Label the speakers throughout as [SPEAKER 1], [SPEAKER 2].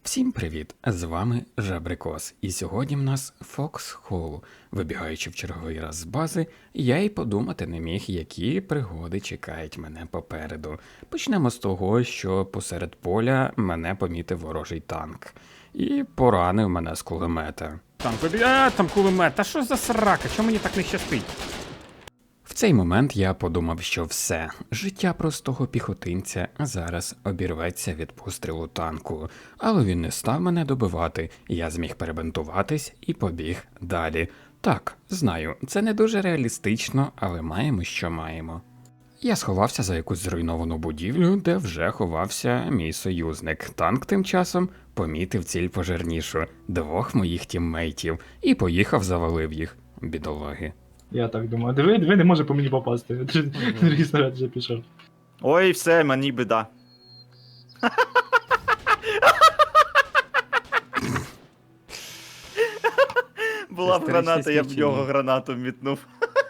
[SPEAKER 1] Всім привіт! З вами Жабрикос, і сьогодні в нас Фоксхол. Вибігаючи в черговий раз з бази, я й подумати не міг, які пригоди чекають мене попереду. Почнемо з того, що посеред поля мене помітив ворожий танк. І поранив мене з кулемета.
[SPEAKER 2] Там кулемет, та що за срака, чому мені так не щастить?
[SPEAKER 1] В цей момент я подумав, що все, життя простого піхотинця зараз обірветься від пострілу танку. Але він не став мене добивати, я зміг перебинтуватись і побіг далі. Так, знаю, це не дуже реалістично, але маємо, що маємо. Я сховався за якусь зруйновану будівлю, де вже ховався мій союзник. Танк тим часом помітив ціль пожирнішу, двох моїх тіммейтів, і поїхав завалив їх, бідолаги.
[SPEAKER 3] Я так думаю. Диви, не може по мені попасти. Другий снаряд вже пішов.
[SPEAKER 4] Ой, все, мені біда. Була б граната, я б в нього гранату мітнув.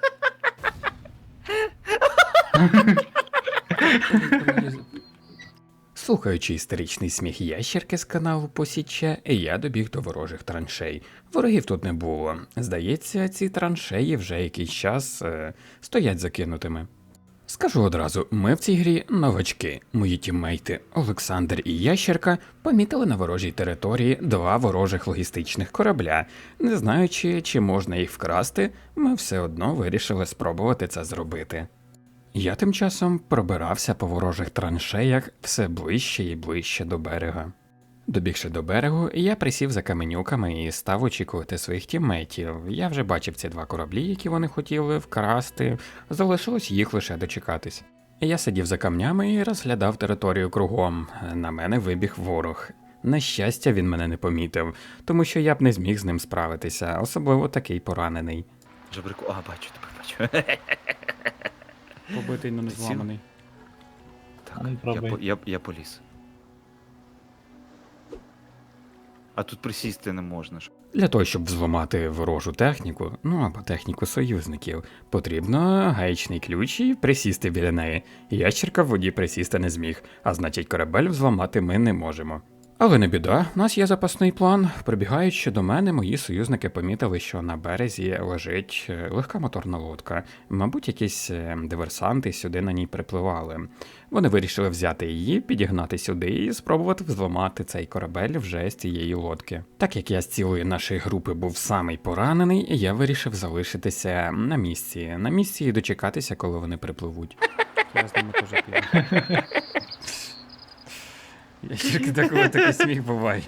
[SPEAKER 1] Слухаючи істеричний сміх ящерки з каналу Посіччя, я добіг до ворожих траншей. Ворогів тут не було. Здається, ці траншеї вже якийсь час стоять закинутими. Скажу одразу, ми в цій грі новачки. Мої тіммейти Олександр і Ящерка помітили на ворожій території два ворожих логістичних корабля. Не знаючи, чи можна їх вкрасти, ми все одно вирішили спробувати це зробити. Я тим часом пробирався по ворожих траншеях все ближче і ближче до берега. Добігши до берегу, я присів за каменюками і став очікувати своїх тіммейтів. Я вже бачив ці два кораблі, які вони хотіли вкрасти, залишилось їх лише дочекатись. Я сидів за камнями і розглядав територію кругом. На мене вибіг ворог. На щастя, він мене не помітив, тому що я б не зміг з ним справитися, особливо такий поранений.
[SPEAKER 4] Жабрику, бачу, тебе бачу.
[SPEAKER 2] Побитий, но не зламаний.
[SPEAKER 4] Так,
[SPEAKER 3] Ну, пробуй.
[SPEAKER 4] я поліз. А тут присісти не можна ж.
[SPEAKER 1] Для того, щоб взламати ворожу техніку, або техніку союзників, потрібно гаєчний ключ і присісти біля неї. Ящерка в воді присісти не зміг, а значить корабель взламати ми не можемо. Але не біда, у нас є запасний план. Прибігаючи до мене, мої союзники помітили, що на березі лежить легка моторна лодка. Мабуть, якісь диверсанти сюди на ній припливали. Вони вирішили взяти її, підігнати сюди і спробувати взламати цей корабель вже з цієї лодки. Так як я з цілої нашої групи був самий поранений, я вирішив залишитися на місці і дочекатися, коли вони припливуть.
[SPEAKER 2] Я з ними теж піду. Ящерки, деколи такий сміх буває.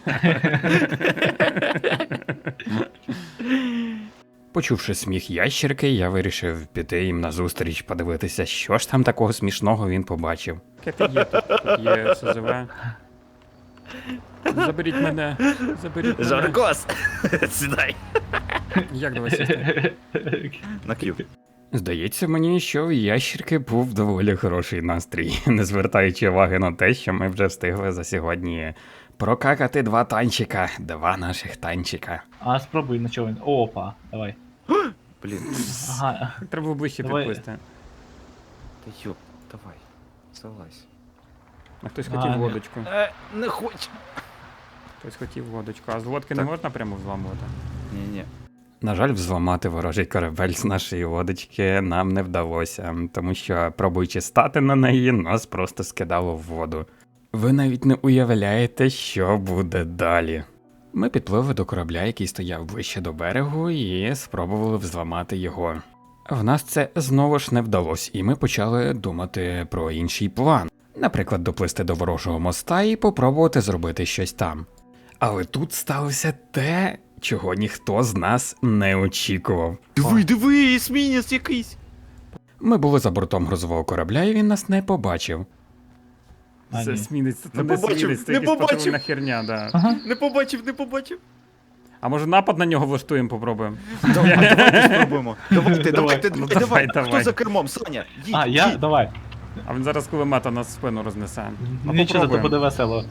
[SPEAKER 1] Почувши сміх ящерки, я вирішив піти їм назустріч, подивитися, що ж там такого смішного він побачив.
[SPEAKER 2] Яке ти є тут? Тут є СЗВ. Заберіть мене.
[SPEAKER 4] Жабрикос! Сідай!
[SPEAKER 2] Як до вас сісти?
[SPEAKER 4] На Q.
[SPEAKER 1] Здається мені, що в ящерки був доволі хороший настрій, не звертаючи уваги на те, що ми вже встигли за сьогодні прокакати два наших танчика.
[SPEAKER 3] А спробуй на чого він. Опа, давай.
[SPEAKER 4] Блін.
[SPEAKER 3] Ага.
[SPEAKER 2] Треба було ближче
[SPEAKER 3] Давай.
[SPEAKER 2] підплисти.
[SPEAKER 4] Та йоп, давай. Залазь.
[SPEAKER 2] А хтось хотів лодочку.
[SPEAKER 4] Не хочу.
[SPEAKER 2] Хтось хотів лодочку. А з лодки не
[SPEAKER 4] Так.
[SPEAKER 2] можна прямо взламувати?
[SPEAKER 4] Ні-ні.
[SPEAKER 1] На жаль, взламати ворожий корабель з нашої лодочки нам не вдалося, тому що, пробуючи стати на неї, нас просто скидало в воду. Ви навіть не уявляєте, що буде далі. Ми підпливли до корабля, який стояв ближче до берегу, і спробували взламати його. В нас це знову ж не вдалося, і ми почали думати про інший план. Наприклад, доплисти до ворожого моста і попробувати зробити щось там. Але тут сталося те, чого ніхто з нас не очікував.
[SPEAKER 4] Диви, есмінець якийсь!
[SPEAKER 1] Ми були за бортом грузового корабля, і він нас не побачив.
[SPEAKER 3] А,
[SPEAKER 2] Це
[SPEAKER 3] ні.
[SPEAKER 2] смінець, це
[SPEAKER 4] Не
[SPEAKER 2] не
[SPEAKER 4] побачив,
[SPEAKER 2] смінець, це
[SPEAKER 4] не
[SPEAKER 2] якась
[SPEAKER 4] побачив.
[SPEAKER 2] патрульна херня, да.
[SPEAKER 3] Ага.
[SPEAKER 4] Не побачив.
[SPEAKER 2] А може напад на нього влаштуємо, попробуємо?
[SPEAKER 4] Давайте спробуємо. Давайте.
[SPEAKER 2] давай.
[SPEAKER 4] Хто за кермом? Саня, їдь.
[SPEAKER 3] А, я? Давай.
[SPEAKER 2] А він зараз кулемета нас в спину рознесе. А
[SPEAKER 3] Нічого, то
[SPEAKER 2] попробуємо.
[SPEAKER 3] буде весело.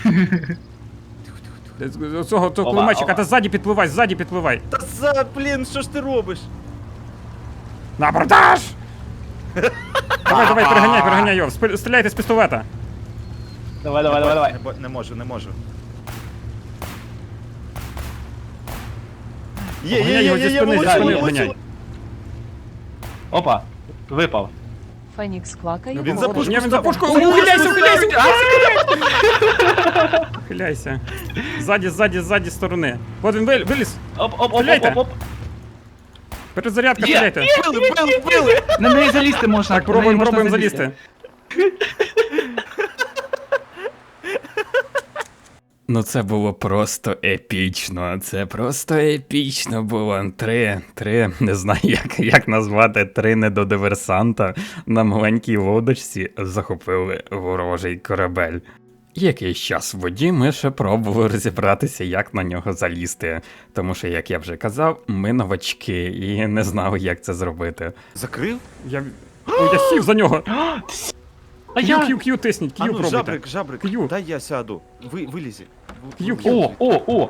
[SPEAKER 2] Цього
[SPEAKER 3] Опа,
[SPEAKER 2] кулеметчика,
[SPEAKER 3] опа.
[SPEAKER 2] та ззаді підпливай.
[SPEAKER 4] Та блін, що ж ти робиш?
[SPEAKER 2] На абордаж! Давай, переганяй його, стріляйте з пістолета.
[SPEAKER 3] Давай.
[SPEAKER 4] Не можу.
[SPEAKER 2] Обганяй його зі спини, зі спини обганяй.
[SPEAKER 3] Опа, випав.
[SPEAKER 5] Фенікс квакає.
[SPEAKER 4] Він за пушку
[SPEAKER 2] Ні, він за
[SPEAKER 4] став.
[SPEAKER 2] пушкою, ухиляйся, ухиляйся! Ухиляйся. Ззаді сторони. От він виліз. Стріляйте.
[SPEAKER 3] Оп.
[SPEAKER 2] Перезарядка,
[SPEAKER 3] Є.
[SPEAKER 2] стріляйте.
[SPEAKER 4] Били!
[SPEAKER 3] На неї залізти можна.
[SPEAKER 2] Так,
[SPEAKER 3] на неї можна
[SPEAKER 2] пробуємо залізти.
[SPEAKER 1] Ну це було просто епічно. Це просто епічно було. Три, не знаю, як назвати, три недодиверсанта на маленькій лодочці захопили ворожий корабель. Якийсь час в воді ми ще пробували розібратися, як на нього залізти. Тому що, як я вже казав, ми новачки і не знали, як це зробити.
[SPEAKER 4] Закрив?
[SPEAKER 2] Я сів за нього.
[SPEAKER 3] А я...
[SPEAKER 2] К'ю тисніть,
[SPEAKER 4] А
[SPEAKER 2] К'ю
[SPEAKER 4] ну,
[SPEAKER 2] пробуйте.
[SPEAKER 4] жабрик,
[SPEAKER 2] К'ю.
[SPEAKER 4] дай я сяду. Вилізі.
[SPEAKER 2] К'ю.
[SPEAKER 3] О.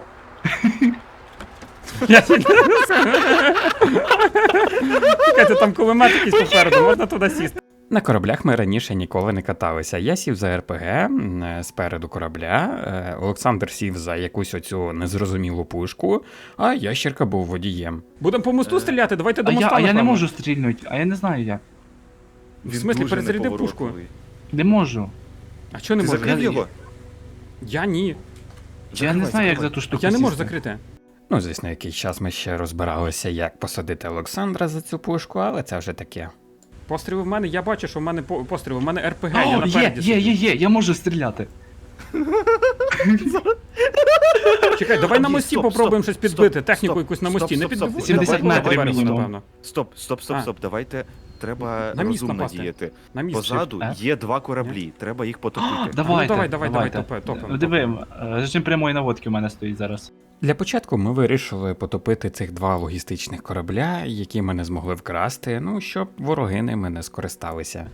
[SPEAKER 2] Чекайте, там кулемет якийсь попереду, можна туди сісти.
[SPEAKER 1] На кораблях ми раніше ніколи не каталися. Я сів за РПГ спереду корабля, Олександр сів за якусь оцю незрозумілу пушку, а ящерка був водієм.
[SPEAKER 2] Будемо по мосту стріляти, давайте до моста.
[SPEAKER 3] А я не
[SPEAKER 2] напевно.
[SPEAKER 3] можу стрільнути, а я не знаю як.
[SPEAKER 2] В смислі, перезарядив пушку?
[SPEAKER 3] Не можу.
[SPEAKER 2] А чого не
[SPEAKER 4] Ти
[SPEAKER 2] можу?
[SPEAKER 4] закрив його?
[SPEAKER 2] Я ні.
[SPEAKER 3] Я не знаю, як за ту штуку
[SPEAKER 2] Я не можу
[SPEAKER 3] сісти.
[SPEAKER 2] закрити.
[SPEAKER 1] Ну, звісно, якийсь час ми ще розбиралися, як посадити Олександра за цю пушку, але це вже таке.
[SPEAKER 2] Постріли в мене, я бачу, що в мене постріли, в мене РПГ, я
[SPEAKER 3] О,
[SPEAKER 2] напереді. сиджу.
[SPEAKER 3] є, я можу стріляти.
[SPEAKER 2] Чекай, давай на
[SPEAKER 4] Ні,
[SPEAKER 2] мості
[SPEAKER 4] стоп,
[SPEAKER 2] попробуємо
[SPEAKER 4] стоп,
[SPEAKER 2] щось підбити,
[SPEAKER 4] стоп,
[SPEAKER 2] техніку
[SPEAKER 4] стоп,
[SPEAKER 2] якусь на
[SPEAKER 4] стоп,
[SPEAKER 2] мості. Не
[SPEAKER 4] стоп, стоп.
[SPEAKER 2] підбивай.
[SPEAKER 3] 70
[SPEAKER 2] давай
[SPEAKER 3] метрів
[SPEAKER 2] поверху,
[SPEAKER 3] мінімум.
[SPEAKER 2] напевно.
[SPEAKER 4] Стоп,
[SPEAKER 2] А.
[SPEAKER 4] давайте. Треба
[SPEAKER 2] На міст
[SPEAKER 4] розумно
[SPEAKER 2] напасти.
[SPEAKER 4] діяти.
[SPEAKER 2] На місці.
[SPEAKER 4] Позаду
[SPEAKER 3] А?
[SPEAKER 4] є два кораблі, треба їх потопити.
[SPEAKER 3] Давайте,
[SPEAKER 2] давай, топимо.
[SPEAKER 3] Диви, режим прямої наводки у мене стоїть зараз.
[SPEAKER 1] Для початку ми вирішили потопити цих два логістичних корабля, які ми не змогли вкрасти, ну, щоб вороги ними не скористалися.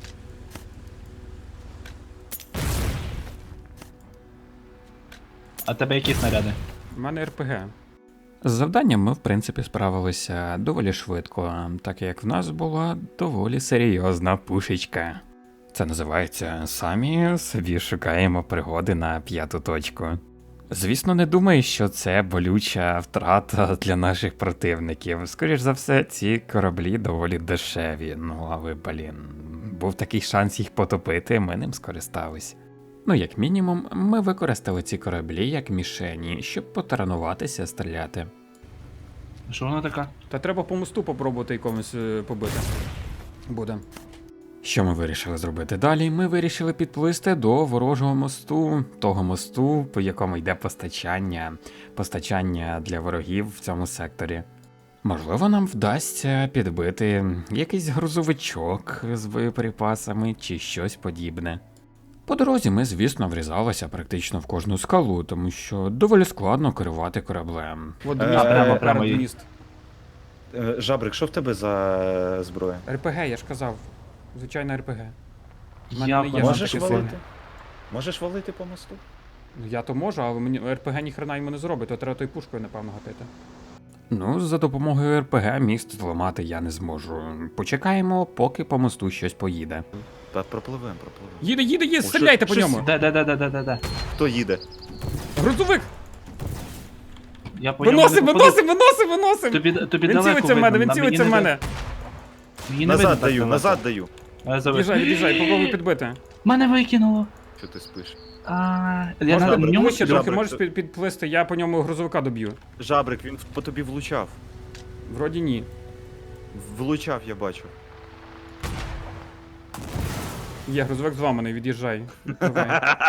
[SPEAKER 3] А тебе які снаряди?
[SPEAKER 2] У мене РПГ.
[SPEAKER 1] З завданням ми, в принципі, справилися доволі швидко, так як в нас була доволі серйозна пушечка. Це називається «Самі собі шукаємо пригоди на п'яту точку». Звісно, не думаю, що це болюча втрата для наших противників. Скоріш за все, ці кораблі доволі дешеві, ну але, був такий шанс їх потопити, ми ним скористались. Ну, як мінімум, ми використали ці кораблі як мішені, щоб потренуватися стріляти.
[SPEAKER 3] Що вона така?
[SPEAKER 2] Та треба по мосту попробувати якомусь побити. Буде.
[SPEAKER 1] Що ми вирішили зробити далі? Ми вирішили підплисти до ворожого мосту, того мосту, по якому йде постачання для ворогів в цьому секторі. Можливо, нам вдасться підбити якийсь грузовичок з боєприпасами чи щось подібне. По дорозі ми, звісно, врізалися практично в кожну скалу, тому що доволі складно керувати кораблем.
[SPEAKER 2] От
[SPEAKER 3] прямо
[SPEAKER 2] перед
[SPEAKER 3] їй.
[SPEAKER 2] міст.
[SPEAKER 4] Жабрик, що в тебе за зброя?
[SPEAKER 2] РПГ, я ж казав. Звичайно, РПГ. В мене
[SPEAKER 3] Я
[SPEAKER 2] не є
[SPEAKER 4] Можеш
[SPEAKER 2] таке
[SPEAKER 4] валити?
[SPEAKER 2] сильне.
[SPEAKER 4] Можеш валити по мосту?
[SPEAKER 2] Ну, я то можу, але мені РПГ ніхрена йому не зробить, то треба тою пушкою, напевно, гатити.
[SPEAKER 1] Ну, за допомогою РПГ міст зламати я не зможу. Почекаємо, поки по мосту щось поїде.
[SPEAKER 4] Та пропливем.
[SPEAKER 2] Їде, стріляйте по ньому!
[SPEAKER 3] Де.
[SPEAKER 4] Хто їде?
[SPEAKER 2] Грузовик!
[SPEAKER 3] Я по ньому
[SPEAKER 2] Виносим!
[SPEAKER 3] не попаду. Тобі
[SPEAKER 2] Він
[SPEAKER 3] далеко
[SPEAKER 2] цілиться в мене,
[SPEAKER 3] видно,
[SPEAKER 2] він
[SPEAKER 3] на
[SPEAKER 2] цілиться в
[SPEAKER 3] мені не
[SPEAKER 2] мене!
[SPEAKER 3] Мені не видно
[SPEAKER 4] Назад
[SPEAKER 3] так
[SPEAKER 4] даю,
[SPEAKER 3] далеко.
[SPEAKER 4] назад даю.
[SPEAKER 2] Від'їжджай, попробуй підбити.
[SPEAKER 3] Мене викинуло.
[SPEAKER 4] Що ти спиш?
[SPEAKER 3] Я
[SPEAKER 2] Можна
[SPEAKER 3] на ньому
[SPEAKER 2] ближче
[SPEAKER 3] сиджу.
[SPEAKER 2] трохи,
[SPEAKER 4] Добре,
[SPEAKER 2] можеш
[SPEAKER 4] то-
[SPEAKER 2] підплисти, я по ньому грузовика доб'ю.
[SPEAKER 4] Жабрик, він по тобі влучав.
[SPEAKER 2] Вроді ні.
[SPEAKER 4] Влучав, я бачу.
[SPEAKER 2] Є, грузовик зламаний, від'їжджай. Давай.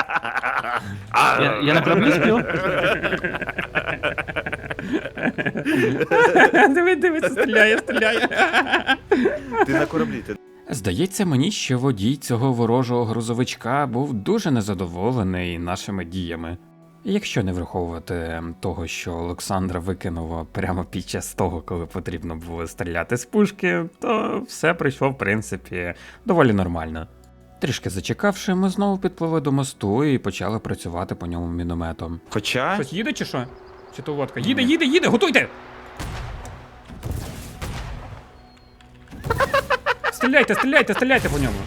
[SPEAKER 3] Я на кораблі спів?
[SPEAKER 2] Дивись, стріляє.
[SPEAKER 4] Ти на кораблі, ти.
[SPEAKER 1] Здається мені, що водій цього ворожого грузовичка був дуже незадоволений нашими діями. Якщо не враховувати того, що Олександра викинуло прямо під час того, коли потрібно було стріляти з пушки, то все пройшло, в принципі, доволі нормально. Трішки зачекавши, ми знову підпливли до мосту і почали працювати по ньому мінометом.
[SPEAKER 4] Хоча.
[SPEAKER 2] Щось їде чи що? Чи то лодка? Їде, готуйте! Стріляйте по ньому.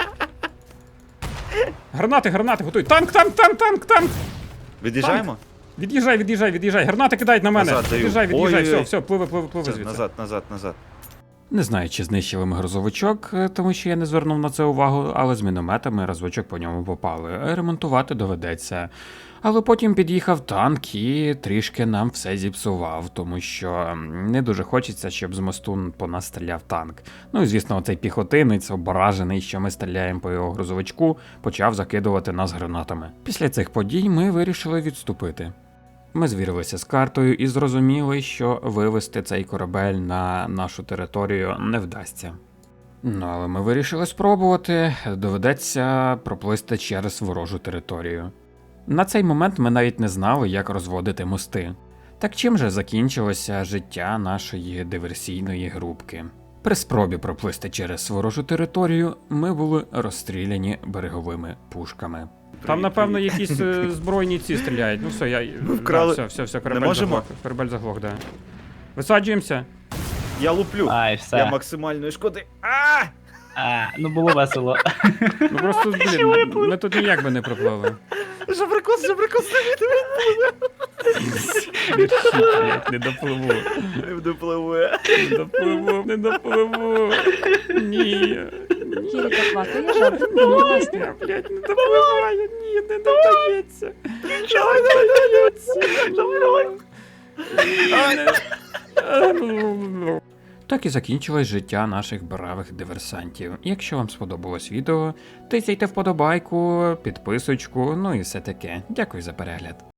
[SPEAKER 2] Гранати, готуй. Танк!
[SPEAKER 4] Від'їжджаємо?
[SPEAKER 2] Від'їжджай. Гранати кидають на мене.
[SPEAKER 4] Назад даю.
[SPEAKER 2] Від'їжджай,
[SPEAKER 4] Ой-ой-ой.
[SPEAKER 2] все, пливи
[SPEAKER 4] Все,
[SPEAKER 2] звідси.
[SPEAKER 4] назад.
[SPEAKER 1] Не знаю, чи знищили ми грузовичок, тому що я не звернув на це увагу, але з мінометами розвичок по ньому попали. Ремонтувати доведеться. Але потім під'їхав танк і трішки нам все зіпсував, тому що не дуже хочеться, щоб з мосту по нас стріляв танк. Ну і звісно, оцей піхотинець, ображений, що ми стріляємо по його грузовичку, почав закидувати нас гранатами. Після цих подій ми вирішили відступити. Ми звірилися з картою і зрозуміли, що вивести цей корабель на нашу територію не вдасться. Ну, але ми вирішили спробувати, доведеться проплисти через ворожу територію. На цей момент ми навіть не знали, як розводити мости. Так чим же закінчилося життя нашої диверсійної групки? При спробі проплисти через ворожу територію ми були розстріляні береговими пушками.
[SPEAKER 2] Там, напевно, якісь збройні ці стріляють. Ну все,
[SPEAKER 4] вкрали.
[SPEAKER 2] Все,
[SPEAKER 4] Не можемо?
[SPEAKER 2] корабель заглох, да. Висаджуємося.
[SPEAKER 4] Я луплю.
[SPEAKER 3] Ай,
[SPEAKER 4] Я
[SPEAKER 3] все.
[SPEAKER 4] максимальної шкоди.
[SPEAKER 3] Ну було весело.
[SPEAKER 2] Ну просто, блін, ми тут ніяк би не проплили.
[SPEAKER 4] Жабрикос,
[SPEAKER 2] Не допливу.
[SPEAKER 4] Не допливе.
[SPEAKER 2] Не допливу. Ні.
[SPEAKER 5] Кілька квакає, жабри плести.
[SPEAKER 2] Я, блядь, не допливаю. Ні, не додається.
[SPEAKER 1] Так і закінчилось життя наших бравих диверсантів. Якщо вам сподобалось відео, тисяйте вподобайку, підписочку, ну і все таке. Дякую за перегляд.